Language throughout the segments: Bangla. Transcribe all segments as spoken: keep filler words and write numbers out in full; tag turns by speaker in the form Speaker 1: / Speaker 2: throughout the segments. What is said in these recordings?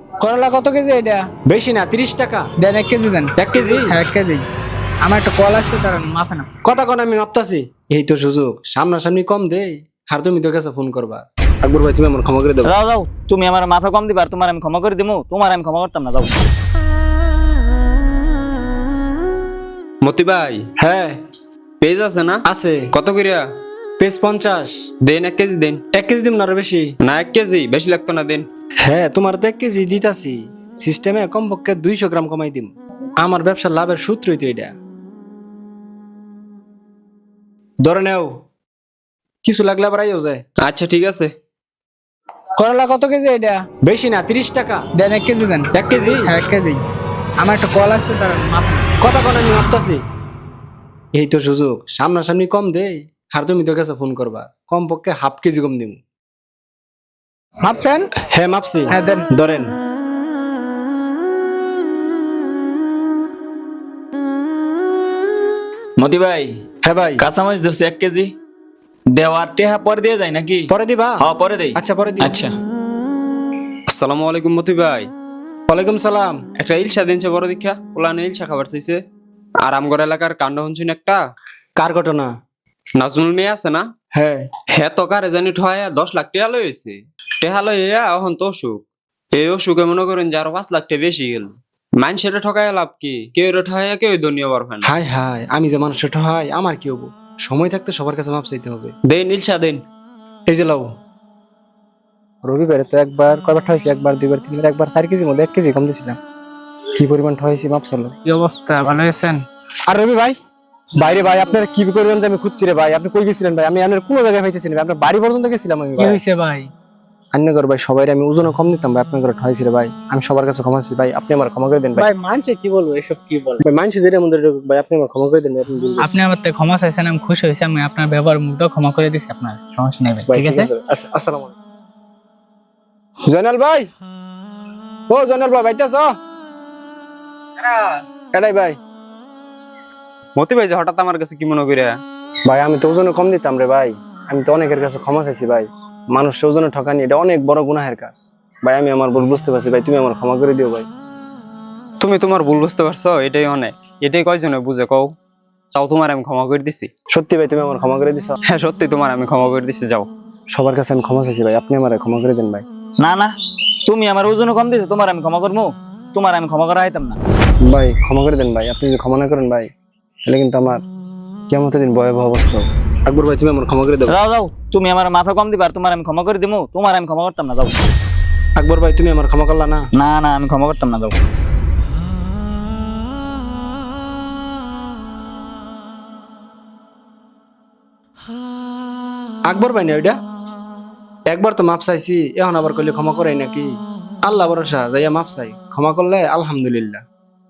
Speaker 1: করলা কত কেজি এটা?
Speaker 2: বেশি না, তিরিশ টাকা।
Speaker 1: দেন এক কেজি দেন।
Speaker 2: এক কেজি?
Speaker 1: হ্যাঁ এক কেজি। আমার একটা কল আসছে, তার মাফে না।
Speaker 2: কথা কোন আমি মাপতাছি। এই তো সুযোগ, সামনাসামনি কম দেই আর তুমি তো কাছে ফোন করবা। আকবর ভাই তুমি আমার ক্ষমা করে দেবো।
Speaker 3: যাও যাও, তুমি আমার মাফে কম দিবা আর তোমার আমি ক্ষমা করে দিমু, তোমার আমি ক্ষমা করতাম না, যাও।
Speaker 4: মতি ভাই,
Speaker 2: হ্যাঁ
Speaker 4: পেজ আছে না?
Speaker 2: আছে।
Speaker 4: কত করিয়া?
Speaker 2: পেজ পঞ্চাশ।
Speaker 4: দেন এক কেজি দেন।
Speaker 2: এক কেজি দিম না আরো বেশি?
Speaker 4: না এক কেজি, বেশি লাগতো না, দেন।
Speaker 2: হ্যাঁ তোমার তো এক কেজি দিতাছি, সিস্টেমে কমপক্ষে দুইশো গ্রাম কমাই দিম। আমার ব্যবসার লাভের সূত্রই তো এটা। ধরে নেও, কিছু লাগলে আবার আইও যায়।
Speaker 4: আচ্ছা ঠিক আছে।
Speaker 1: করলা কত কেজি এটা?
Speaker 2: বেশি না, তিরিশ টাকা।
Speaker 1: দেন এক কেজি দেন।
Speaker 2: এক কেজি?
Speaker 1: হ্যাঁ এক কেজি। আমার একটা কল আসছে, তার মাফে না।
Speaker 2: কথা কোন আমি মাপতাছি। এই তো সুযোগ, সামনাসামনি কম দেই আর তুমি তো কাছে ফোন করবা। কমপক্ষে হাফ কেজি কম দিম।
Speaker 1: মাপছেন?
Speaker 2: হ্যাঁ মাপছি।
Speaker 1: হ্যাঁ দেন।
Speaker 2: ধরেন।
Speaker 3: মতি ভাই,
Speaker 2: হ্যাঁ ভাই।
Speaker 3: কাঁচামরিচ দোষ এক কেজি। দেওয়ার টেহা পরে দিয়ে যায় নাকি?
Speaker 2: পরে দিবা?
Speaker 3: হ্যাঁ পরে দেই।
Speaker 2: আচ্ছা পরে দিই।
Speaker 3: আচ্ছা।
Speaker 4: আসসালামু আলাইকুম মতি ভাই।
Speaker 2: ওয়ালাইকুম সালাম।
Speaker 4: একটা ইলশা দিনছে বড় দীক্ষা, ওলানে ইলশা খাবার চাইছে। আর আমগর এলাকার কাণ্ড হনছুন একটা।
Speaker 2: কার ঘটনা?
Speaker 4: নাজমুল মেয়ে আছে না?
Speaker 2: হ্যাঁ।
Speaker 4: হ্যাঁ তো কারে জানি ঠয়া দশ লাখ টেহা লইছে। টেহা লইয়া এখন তো অসুখ। এই অসুখে মনে করেন যে আরো পাঁচ লাখ টাকা বেশি গেল। মানুষের ঠকায় লাভ কি? কেউ ঠয়া কেউ দুনিয়া বার হয় না।
Speaker 2: হাই হাই, আমি যে মানুষের হয় আমার কি হবো? সময় থাকতে সবার কাছে মাপ চাইতে হবে।
Speaker 4: দেন ইলশা দেন।
Speaker 2: এই যে লাও।
Speaker 1: রবিবারে তো একবার কয়বার ঠয়েছি, একবার দুইবার তিনবার, একবার চার কেজির মধ্যে এক কেজি কম দিয়েছিলাম। কি পরিমাণ ঠয়েছি মাপ চলো। কি অবস্থা, ভালো আছেন? আর রবি ভাই, বাইরে ভাই আপনারা কি করবেন যে আমি খুঁজছি রে ভাই। আপনি কই গেছিলেন ভাই? আমি আপনার কোনো জায়গায় পাইতেছি না ভাই। আপনার বাড়ি পর্যন্ত গেছিলাম আমি।
Speaker 5: কি হয়েছে ভাই?
Speaker 1: আন্যগর ভাই সবাই আমি ওজনে কম দিতাম ভাই, আপনার ঘরে ঠয়েছি রে ভাই। আমি সবার কাছে ক্ষমা চাইছি ভাই, আপনি আমার ক্ষমা করে দেন ভাই।
Speaker 5: ভাই মানছে কি বলবো, এসব কি বল?
Speaker 1: ভাই মানছি যেটা মধ্যে ভাই, আপনি আমার ক্ষমা করে দেন ভাই। আপনি ভুল করছেন।
Speaker 5: আপনি আমার থেকে ক্ষমা চাইছেন, আমি খুশি হয়েছি। আমি আপনার ব্যবহার মুগ্ধ ক্ষমা করে দিছি, আপনার সমস্যা নেই ভাই,
Speaker 1: ভাই
Speaker 5: ঠিক আছে?
Speaker 1: আচ্ছা আসসালামু আলাইকুম। জয়নাল ভাই, ও জয়নাল ভাই বাইতে আছো? এটাই ভাই।
Speaker 4: মতি ভাই যে হঠাৎ আমার কাছে কি মনে করিয়া?
Speaker 1: ভাই আমি তো ওজনে কম দিতাম রে ভাই। আমি তো অনেকের কাছে ক্ষমা চাইছি ভাই। মানুষের ওজনে ঠকানি এটা অনেক বড় গুনাহের কাজ ভাই। আমি আমার ভুল বুঝতে পারছি ভাই, তুমি আমার ক্ষমা করে দিও ভাই।
Speaker 4: তুমি তোমার ভুল বুঝতে পারছো, এটাই অনেক। এটাই কয়জনে বুঝে কও। চাও তোমার আমি ক্ষমা করে দিছি?
Speaker 1: সত্যি ভাই তুমি আমার ক্ষমা করে দিছো?
Speaker 4: হ্যাঁ সত্যি তোমার আমি ক্ষমা করে দিছি, যাও।
Speaker 1: সবার কাছে আমি ক্ষমা চাইছি ভাই, আপনি আমার ক্ষমা করে দেন ভাই।
Speaker 3: না না, তুমি আমার ওজন কম দিছো, তোমার আমি ক্ষমা করবো? তোমার আমি ক্ষমা করা হইতাম না।
Speaker 1: ভাই ক্ষমা করে দেন ভাই, আপনি যদি ক্ষমা না করেন ভাই তাহলে কিন্তু আমার কিয়ামতের দিন ভয়াবহ অবস্থা হবে। আকবর ভাই তুমি আমার ক্ষমা করে দেবো।
Speaker 3: যাও যাও, তুমি আমার মাফে কম দিবা আর তোমার আমি ক্ষমা করে দিমু, তোমার আমি ক্ষমা করতাম না, যাও।
Speaker 2: আকবর ভাই তুমি আমার ক্ষমা করলা না?
Speaker 3: না না, আমি ক্ষমা করতাম না, যাও।
Speaker 2: আকবর ভাই না ওইটা? একবার তো মাপ চাইছি, এখন আবার করলে ক্ষমা করাই নাকি? আল্লাহ ভরসা, যাইয়া মাপ চাই, ক্ষমা করলে আলহামদুলিল্লাহ।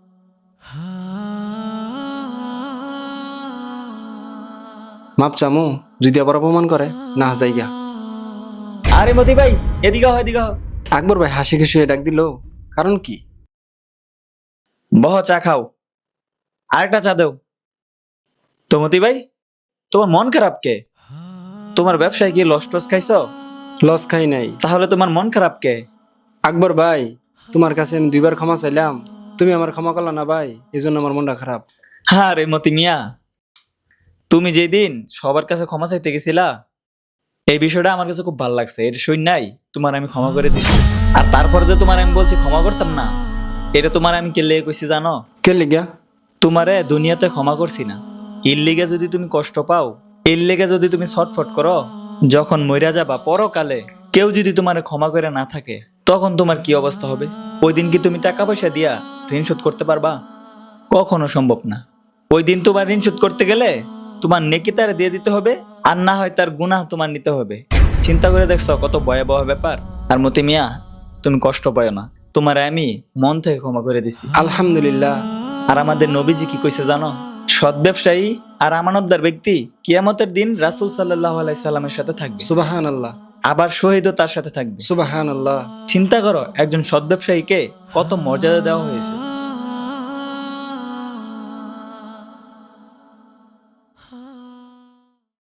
Speaker 2: মাপ চামু, যদি আবার অপমান করে না যাইগা।
Speaker 3: আরে মতি ভাই, এদিকে হও, এদিকে হও।
Speaker 2: আকবর ভাই হাসি খুশি হয়ে ডাক দিল, কারণ কি?
Speaker 3: বহ, চা খাও। আরেকটা চা দেও তো। মতি ভাই, তোমার মন খারাপ কে? তোমার ব্যবসায় কি লস টস খাইছো?
Speaker 2: লস খাই নাই।
Speaker 3: তাহলে তোমার মন খারাপ কে?
Speaker 2: আকবর ভাই, তোমার কাছে আমি দুইবার ক্ষমা চাইলাম, তুমি আমার ক্ষমা করলা না ভাই, এই জন্য আমার মনটা খারাপ।
Speaker 3: হ্যাঁ রে মতি মিয়া, তুমি যেদিন সবার কাছে ক্ষমা চাইতে গেছিলা, এই বিষয়টা আমার কাছে খুব ভালো লাগছে। এটা শুন নাই, তোমার আমি ক্ষমা করে দিছি। আর তারপর যে তোমার আমি বলছি ক্ষমা করতাম না, এটা তোমার আমি কে লেগে কইছি জানো?
Speaker 2: কে লিগা?
Speaker 3: তোমারে দুনিয়াতে ক্ষমা করছি না, এর লেগে যদি তুমি কষ্ট পাও, এর লেগে যদি তুমি ছটফট করো, যখন মইরা যাবা পরকালে কেউ যদি তোমার ক্ষমা করে না থাকে, তখন তোমার কি অবস্থা হবে? ওই দিন কি তুমি টাকা পয়সা দিয়া ঋণ শোধ করতে পারবা? কখনো সম্ভব না। ওই দিন তোমার ঋণ শোধ করতে গেলে তোমার নেকি তারে দিয়ে দিতে হবে, আর না হয় তার গুনাহ তোমার নিতে হবে। চিন্তা করে দেখছো কত ভয়াবহ ব্যাপার? আর মতি মিয়া, তুমি কষ্ট পাও না, তোমার আমি মন থেকে ক্ষমা করে দিছি।
Speaker 2: আলহামদুলিল্লাহ।
Speaker 3: আর আমাদের নবীজি কি কইছে জানো? সৎ ব্যবসায়ী আর আমানতদার ব্যক্তি কিয়ামতের দিন রাসূল সাল্লাল্লাহু আলাইহি সাল্লামের সাথে থাকবে,
Speaker 2: সুবহানাল্লাহ।
Speaker 3: আবার শহীদও তার সাথে থাকবে।
Speaker 2: সুবহানাল্লাহ।
Speaker 3: চিন্তা করো, একজন সৎ ব্যবসায়ীকে কত মর্যাদা দেওয়া হয়েছে।